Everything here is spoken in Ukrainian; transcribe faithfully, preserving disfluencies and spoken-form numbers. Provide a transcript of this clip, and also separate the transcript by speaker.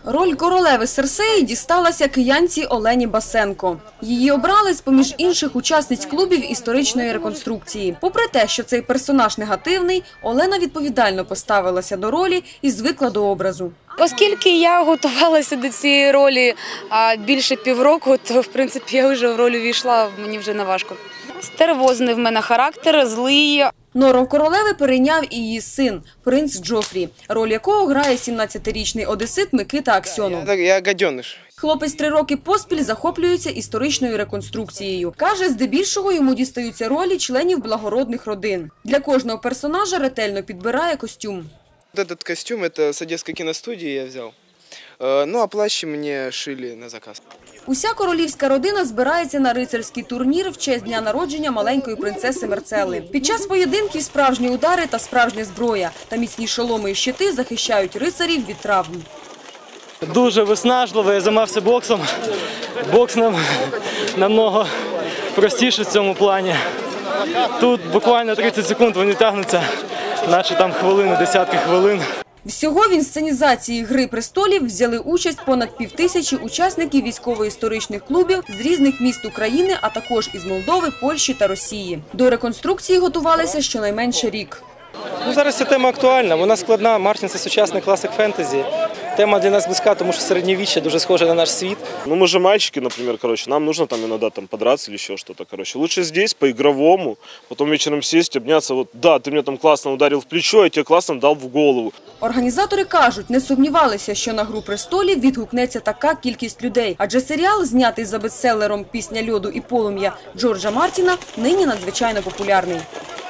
Speaker 1: Роль королеви Серсеї дісталася киянці Олені Басенко. Її обрали з-поміж інших учасниць клубів історичної реконструкції. Попри те, що цей персонаж негативний, Олена відповідально поставилася до ролі і звикла до образу.
Speaker 2: Оскільки я готувалася до цієї ролі більше півроку, то, в принципі, я вже в роль увійшла, мені вже не важко. Стервозний в мене характер, злий.
Speaker 1: Нору королеви перейняв і її син, принц Джофрі, роль якого грає сімнадцятирічний одесит Микита Аксьонов.
Speaker 3: Я гаденыш.
Speaker 1: Хлопець три роки поспіль захоплюється історичною реконструкцією. Каже, здебільшого йому дістаються ролі членів благородних родин. Для кожного персонажа ретельно підбирає костюм.
Speaker 3: Этот костюм – это с Одесской киностудии я взял. Ну, а плащи мне шили на заказ.
Speaker 1: Уся королівська родина збирається на рицарський турнір в честь дня народження маленької принцеси Мерцели. Під час поєдинків справжні удари та справжня зброя та міцні шоломи і щити захищають рицарів від травм.
Speaker 4: Дуже виснажливо, я займався боксом. Бокс нам намного простіше в цьому плані. Тут буквально тридцять секунд вони тягнуться, наче там хвилини, десятки хвилин.
Speaker 1: Всього в інсценізації «Гри престолів» взяли участь понад півтисячі учасників військово-історичних клубів з різних міст України, а також із Молдови, Польщі та Росії. До реконструкції готувалися щонайменше рік.
Speaker 4: Ну, зараз ця тема актуальна, вона складна. Мартін – це сучасний класик фентезі. Тема для нас близька, тому що середньовіччя дуже схоже на наш світ.
Speaker 5: Ну мы же мальчики, например, короче, нам нужно там иногда там подраться или еще что-то, короче. Лучше здесь по-игровому, потом вечером сесть, обняться, вот, да, ты меня там классно ударил в плечо, я тебе классно дал в голову.
Speaker 1: Організатори кажуть, не сумнівалися, що на «Гру престолів» відгукнеться така кількість людей. Адже серіал, знятий за бестселером «Пісня льоду і полум'я» Джорджа Мартіна, нині надзвичайно популярний.